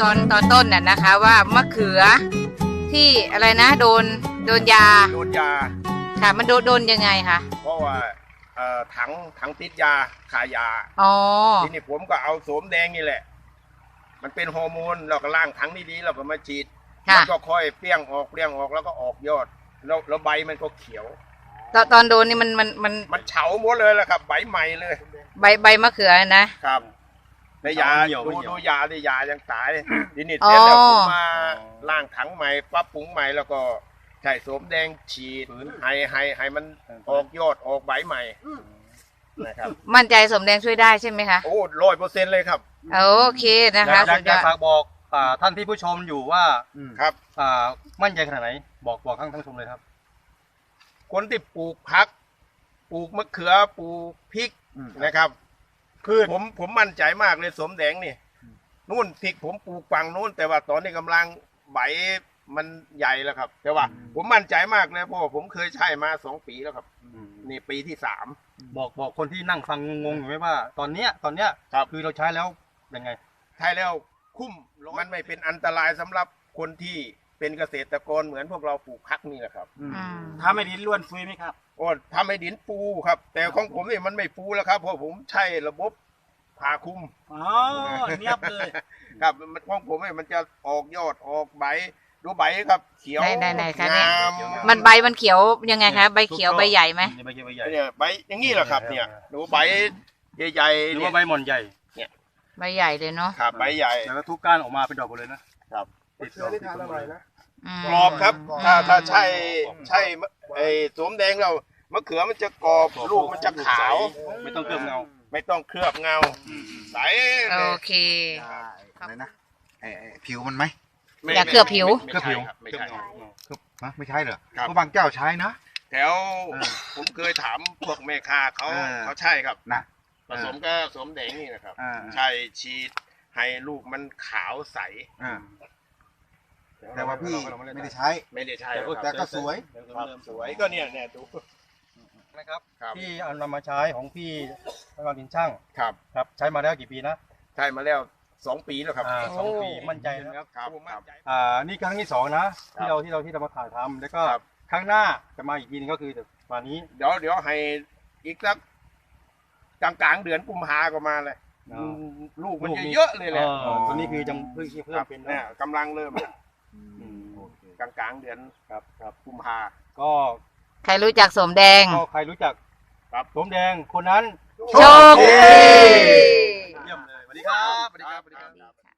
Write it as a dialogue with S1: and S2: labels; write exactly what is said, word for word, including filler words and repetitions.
S1: ตอนตอนต้นน่ะนะคะ ว่ามะเขือที่อะไรนะโดนโดนยา
S2: โดนยา
S1: ค่ะมันโดนโดนยังไงคะ
S2: เพราะว่าเอ่อถังถังติดยาขายยา
S1: อ๋อ
S2: ทีนี้ผมก็เอาโสมแดงนี่แหละ มันเป็นฮอร์โมนเราก็ล้างถังนี้ดีเราก็มาฉีด
S1: ค่ะ
S2: มันก็ค่อยเปรี้ยงออกเปรี้ยงออกแล้วก็ออกยอดแล้วแล้วใบมันก็เขียว
S1: ตอนตอนโดนนี่มันมันมัน
S2: มันเฉาหมดเลยแหละครับใบใหม่เลย
S1: ใบใบมะเขือนะครับ
S2: ในยา
S3: เหี่ยว
S2: ดู
S3: ไม่เหี่ยว
S2: ดูยาในยายังตายทีนี้เสร็จแล้วผมมาล้างถังใหม่ปรับปรุงใหม่แล้วก็ใช้โสมแดงฉีดให้ให้ให้มันออกยอดออกใบใหม่นะครับ
S1: มั่นใจสมแดงช่วยได้ใช่ไหมคะ
S2: โอ้ร้อยเปอร์เซ็นต์เลยครับ
S1: โอเคนะคะ
S3: อยาก
S1: สุด
S3: อยาก
S1: ยอด
S3: ฝากบอกอ่าท่านที่ผู้ชมอยู่ว่า
S2: ครับ
S3: อ่ามั่นใจขนาดไหนบอกบอกทั้งทั้งชมเลยครับ
S2: คนที่ปลูกผัก ปลูกมะเขือปลูกพริกนะครับคือผมผมมั่นใจมากเลยโสมแดงนี่นู่นพริกผมปลูกฝั่งนู้นแต่ว่าตอนนี้กำลังใบมันใหญ่แล้วครับ แต่ว่า ผมมั่นใจมากเลยเพราะว่าผมเคยใช้มาสองปีแล้วครับ นี่ปีที่สาม
S3: บอกบอกคนที่นั่งฟังงงๆอยู่ไหมว่า ตอนเนี้ยตอนเนี้ย
S2: ครับ
S3: คือเราใช้แล้วยังไง
S2: ใช้แล้วคุ้มมันไม่เป็นอันตรายสำหรับคนที่เป็นเกษตรกรเหมือนพวกเราปลูกผักนี่แหละครับ
S1: อืม
S4: ถ้าไม่ดินล้วนซุยไหมครับ
S2: โอ้ทำให้ดินฟูครับ แต่ของผมนี่มันไม่ฟูแล้วครับเพราะผมใช้ระบบผ่าคลุม
S4: อ๋อเนียบเลย
S2: ครับมันของผมเนี่ยมันจะออกยอดออกใบดูใบครับ เขียว
S1: ไหนไหนไหนคะเนี่ย
S2: งาม
S1: มันใบมันเขียวยังไงคะใบเขียวใบใหญ่ไหม
S3: ใบเขียวใบใหญ่
S2: เนี่ยใบอย่างนี้แหละครับ เนี่ยดูใบใหญ่
S3: ห
S2: ๆ
S3: รือ
S2: เนี่ย
S3: ว่าใบหม่อนใหญ่
S1: ใบใหญ่เลยเนาะ
S2: ครับใบใหญ่
S3: แล้วก็ทุกก้านออกมาเป็นดอกหมดเลยนะครับ ติดดอกติดต้นเลยนะ
S1: อืม
S2: กรอบครับ ถ้าถ้าใช่ใช่ไอ้โสมแดงเรามะเขือมันจะกรอบลูกมันจะขาว
S3: ไม่ต้องเคลือบเงา
S2: ไม่ต้องเคลือบเงาใส
S1: โอ
S2: เลย
S1: เค
S5: อะไรนะไอ้ไอ้ผิวมันไหม
S2: ไม่
S1: อย่าเคลือบผิว
S2: ไม่
S5: เคลือบผิว
S2: ไม่ใช่ครับ
S5: คือฮะไม่ใช่เหรอ
S2: ครับ
S5: เพราะบางเจ้าใช้นะ
S2: แถวผมเคยถามพวกแม่ค้าเขา
S5: เออ
S2: เขาใช่ครับ
S5: นะ
S2: ผสมกับโสมแดงนี่นะครับ
S5: อ่า
S2: ใช่ฉีดให้ลูกมันขาวใส
S5: อ่าแต่ว่าพี่ไม่ได้ใช้
S2: ไม่ได้ใช่
S3: แต่
S2: ค
S3: ก็
S2: รับ
S5: แต่ก็สวย
S2: ครับสวยก็เนี่ยเนี่ยดู
S3: นะครับ
S2: ครับ
S3: ที่เอานำมาใช้ของพี่พระดินช่าง
S2: ครับ
S3: ครับใช้มาแล้วกี่ปีนะ
S2: ใช่มาแล้วสองปีแล้วครับ
S3: อ่าสองปีมั่นใจนะครับ
S2: ครับมั่นใจ
S3: อ่านี่ครั้งที่สองนะ
S2: ครั
S3: ที่
S2: บ
S3: เราที่เราที่เรามาถ่ายทำแล้วก็
S2: ครับ
S3: ครั้งหน้าจะมาอีกทีนึงก็คือวันนี้
S2: เดี๋ยวเดี๋ยวให้อีกสักกลางกลางๆเดือนกุมภาก็มาเลย
S3: อ๋อ
S2: อืมลูกมันจะเยอะเลยแหละ
S3: เออตัวนี้คือยังเพิ่งเพิ่
S2: ค
S3: ม
S2: รับ
S3: เป็น
S2: เนี่ย
S3: นะ
S2: กำลังเริ่ม
S3: อืม
S2: กลางกลางๆเดือน
S3: ครับครับ
S2: กุมภา
S3: ก็
S1: ใครรู้จักสมแดง
S3: ก็ใครรู้จัก
S2: ครับ
S3: สมแดงคนนั้น
S1: โชคดี
S3: เยี่ยมเลยสวัสดีครับสวัสดีครับสวัสดีครับ